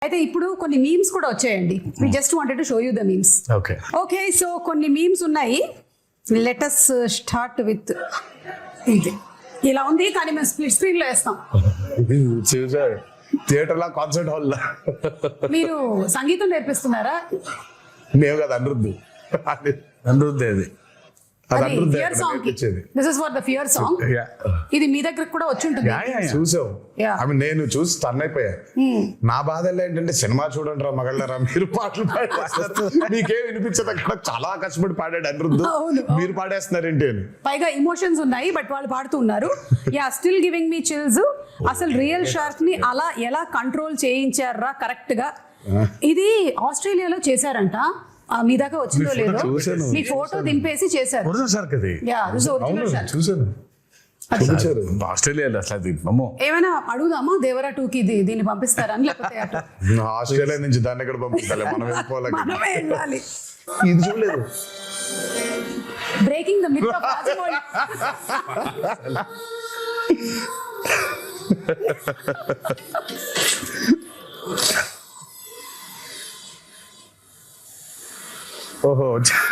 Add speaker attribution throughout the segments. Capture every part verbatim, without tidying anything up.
Speaker 1: అయితే ఇప్పుడు కొన్ని మీమ్స్ కూడా వచ్చాయండి. We just wanted to show you the memes.
Speaker 2: Okay
Speaker 1: okay, so కొన్ని మీమ్స్ ఉన్నాయి. లెట్ us స్టార్ట్ విత్ ఇది. ఇలా ఉంది కానీ మేము స్ప్లిట్ స్క్రీన్ లో వేస్తాం.
Speaker 2: చూసారు థియేటర్ లా, కాన్సర్ట్ హాల్ లా.
Speaker 1: మీరు సంగీతం నేర్పిస్తున్నారా?
Speaker 2: మేము కదా అనిరుద్ధు అనిరుద్ధే అది అది అనిరుద్ధే
Speaker 1: ఫియర్ సాంగ్.
Speaker 2: నేర్పించేది.
Speaker 1: This is for the fear song. ఇది మీ దగ్గర కూడా వచ్చి ఉంటుంది.
Speaker 2: చూసావు
Speaker 1: Yeah.
Speaker 2: ఆమె నేను చూసి టర్న్ అయిపోయా. నా బాధ ఏంటంటే సినిమా చూడండి రా మగళ్ళరా, మీరు పాటలు పాడేస్తారు, మీకేం వినిపించదు. అక్కడ చాలా కష్టపడి పాడాడు అనిరుద్ధు,
Speaker 1: అవును.
Speaker 2: మీరు పాడేస్తున్నారేంటి అని.
Speaker 1: పైగా ఇమోషన్స్ ఉన్నాయి బట్ వాళ్ళు పాడుతున్నారు. Yeah, still giving me chills. అసలు రియల్ షార్క్ ని అలా ఎలా కంట్రోల్ చేయించారా కరెక్ట్ గా? ఇది ఆస్ట్రేలియాలో చేశారంట. ఆ, మీ దాకా వచ్చిందో లేదో,
Speaker 2: చూశాను.
Speaker 1: మీ ఫోటో దింపేసి చేశారు.
Speaker 3: ఒరిజినల్ షార్క్ అది.
Speaker 1: యా, దిస్ ఇస్ ఒరిజినల్
Speaker 2: అవును,
Speaker 1: షార్క్.
Speaker 2: చూసాను. చూపించారు.
Speaker 3: ఆస్ట్రేలియాలో అసలు అది అమ్మో.
Speaker 1: ఏమైనా అడుగుదామా దేవరా టూ కి ఇది దీన్ని పంపిస్తారని, లేకపోతే అటు
Speaker 2: ఆస్ట్రేలియా నుంచి దాన్ని ఎక్కడ పంపించాలి, మనం వెళ్ళిపోవాలి.
Speaker 1: మనమే వెళ్ళాలి.
Speaker 2: ఇది చూడలేదు.
Speaker 1: Breaking the myth of Rajamouli.
Speaker 2: ఓహో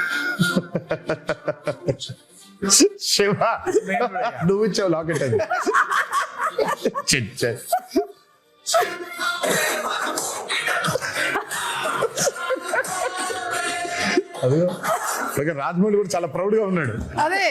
Speaker 2: శివ, నువ్వు ఇచ్చావు లాకెట్ అది. చిచ్చ. అదిగో పైగా రాజమౌళి కూడా చాలా ప్రౌడ్ గా ఉన్నాడు.
Speaker 1: అదే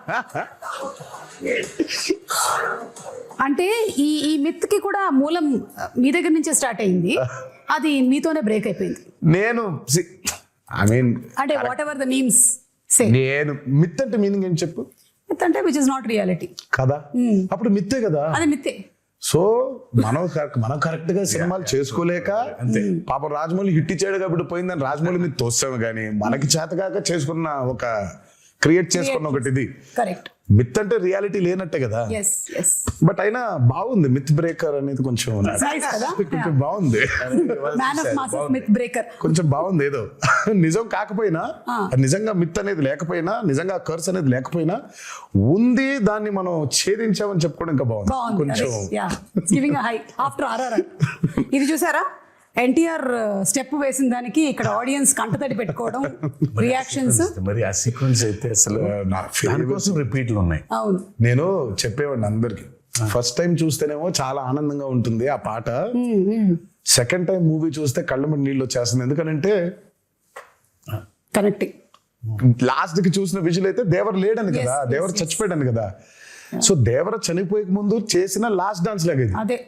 Speaker 1: అంటే ఈ ఈ మిత్ కి కూడా మూలం మీ దగ్గర నుంచే స్టార్ట్ అయింది. అది మీతోనే బ్రేక్ అయిపోయింది.
Speaker 2: నేను ఐ మీన్
Speaker 1: అంటే whatever the memes say,
Speaker 2: నేను మిత్ అంటే మీనింగ్ ఏం చెప్పు.
Speaker 1: మిత్ అంటే విచ్ ఇస్ నాట్ రియాలిటీ
Speaker 2: కదా, అప్పుడు మిత్తే కదా.
Speaker 1: అది మిత్తే.
Speaker 2: సో మనం కరెక్ట్ మనం కరెక్ట్ గా సినిమాలు చేసుకోలేక పాప రాజమౌళి హిట్ ఇచ్చాడు కాబట్టి పోయిందని రాజమౌళి మీద తోస్తాము, కానీ మనకి చేతకాక చేసుకున్న ఒక క్రియేట్ చేసుకున్న ఒకటి ఇది.
Speaker 1: కరెక్ట్.
Speaker 2: మిత్ అంటే రియాలిటీ లేనట్టే కదా.
Speaker 1: yes yes
Speaker 2: బట్ అయినా బాగుంది మిత్ బ్రేకర్ అనేది, కొంచెం
Speaker 1: nice కదా.
Speaker 2: కొంచెం బాగుంది.
Speaker 1: Man of masses myth breaker.
Speaker 2: కొంచెం బాగుంది. ఏదో నిజం కాకపోయినా, నిజంగా మిత్ అనేది లేకపోయినా, నిజంగా కర్స్ అనేది లేకపోయినా ఉంది, దాన్ని మనం ఛేదించామని చెప్పుకోవడం ఇంకా బాగుంది. కొంచెం
Speaker 1: గివింగ్ హై ఆఫ్టర్ ఆర్ఆర్ఆర్. ఇది చూసారా, ఎన్టీఆర్ స్టెప్ వేసిన దానికి ఇక్కడ ఆడియన్స్ కంటతడి పెట్టుకోవడం, రియాక్షన్స్.
Speaker 3: మరి ఆ సీక్వెన్స్ అయితే అసలు దానికోసం రిపీట్లు ఉన్నాయి.
Speaker 1: అవును,
Speaker 2: నేను చెప్పేవాడిని అందరికి, ఫస్ట్ టైం చూస్తేనేమో చాలా ఆనందంగా ఉంటుంది ఆ పాట, సెకండ్ టైం మూవీ చూస్తే కళ్ళ మీద నీళ్ళు వచ్చేస్తుంది. ఎందుకంటే
Speaker 1: కనెక్టింగ్.
Speaker 2: లాస్ట్ కి చూసిన విజువల్ అయితే దేవర్ లేడని కదా, దేవర్ చచ్చిపోయాడని కదా. సో దేవర చనిపోయే ముందు చేసిన లాస్ట్ డాన్స్ లాగా ఇది.
Speaker 1: అదే.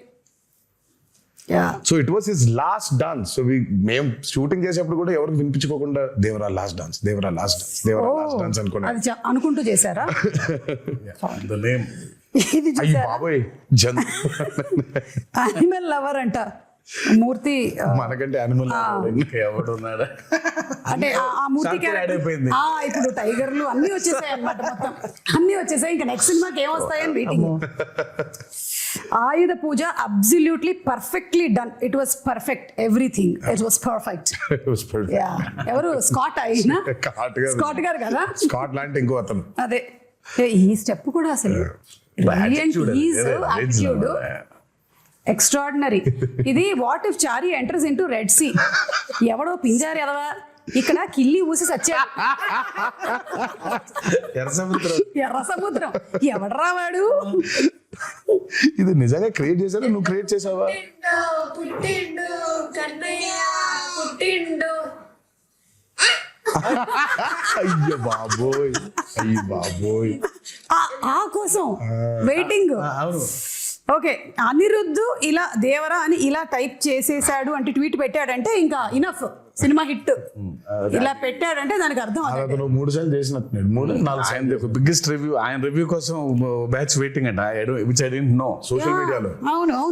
Speaker 2: So it was his last dance. So మేము షూటింగ్ చేసేప్పుడు కూడా ఎవరికి వినిపించుకోకుండా Devara last dance, Devara last dance, Devara last dance అనుకున్నా.
Speaker 1: అది చ- అనుకుంటూ చేశారా?
Speaker 3: The name.
Speaker 1: ఇది
Speaker 2: అయ్యి
Speaker 1: చూసారా,
Speaker 2: బాబోయ్ జన్
Speaker 1: అనిమల్ లవర్ అంట మూర్తి. ఆ,
Speaker 2: మనకంటే యానిమల్
Speaker 3: ఇంకా ఎవడు ఉన్నాడా?
Speaker 1: అంటే ఆ- ఆ మూర్తి
Speaker 3: Shark యాడ్ అయిపోయింది.
Speaker 1: ఆ, ఇప్పుడు టైగర్లు అన్ని వచ్చేసాయి అన్నమాట. మొత్తం అన్ని వచ్చేసాయి. ఇంకా నెక్స్ట్ సినిమాకి ఏం వస్తాయని waiting. Ayudha Puja absolutely perfectly done. It was perfect, everything it was perfect. Yeah, ఎవరు స్కాట్ అయినా స్కాట్ గారు కదా,
Speaker 2: స్కాట్ లాంటి ఇంకో అతను.
Speaker 1: అదే. ఏ, ఈ స్టెప్ కూడా అసలు
Speaker 3: Attitude అది. ఏదో
Speaker 1: యాటిట్యూడ్
Speaker 3: original.
Speaker 1: ఎక్స్ట్రాడినరీ. ఇది what if Chari enters into Red Sea. ఎవడో పింజారు ఎదవా ఇక్కడ కిల్లి ఊసి సచ్చాడు.
Speaker 2: ఎర్ర సముద్రం.
Speaker 1: ఎర్ర సముద్రం ఎవడరా వాడు?
Speaker 2: ఇది నిజంగా క్రియేట్ చేశారా, నువ్వు క్రియేట్ చేసావా?
Speaker 4: పుట్టిండు కన్నయ్య పుట్టిండు.
Speaker 2: అయ్యో బాబోయ్, అయ్యి బాబోయ్.
Speaker 1: ఆ- ఆ కోసం వెయిటింగ్.
Speaker 3: అవును.
Speaker 1: ఓకే, అనిరుద్ధు ఇలా దేవరా అని ఇలా టైప్ చేసేసాడు అంటే, ట్వీట్ పెట్టాడంటే ఇంకా ఇనఫ్, సినిమా హిట్. ఇలా పెట్టాడంటే దానికి అర్థం అదే.
Speaker 2: అతను మూడు సార్లు చేసినట్టున్నాడు, మూడు నాలుగు సార్లు.
Speaker 3: బిగ్గెస్ట్ రివ్యూ, ఆయన రివ్యూ కోసం బ్యాచ్ వెయిటింగ్ అంట. Which I don't know.
Speaker 2: Social మీడియాలో
Speaker 1: అవును.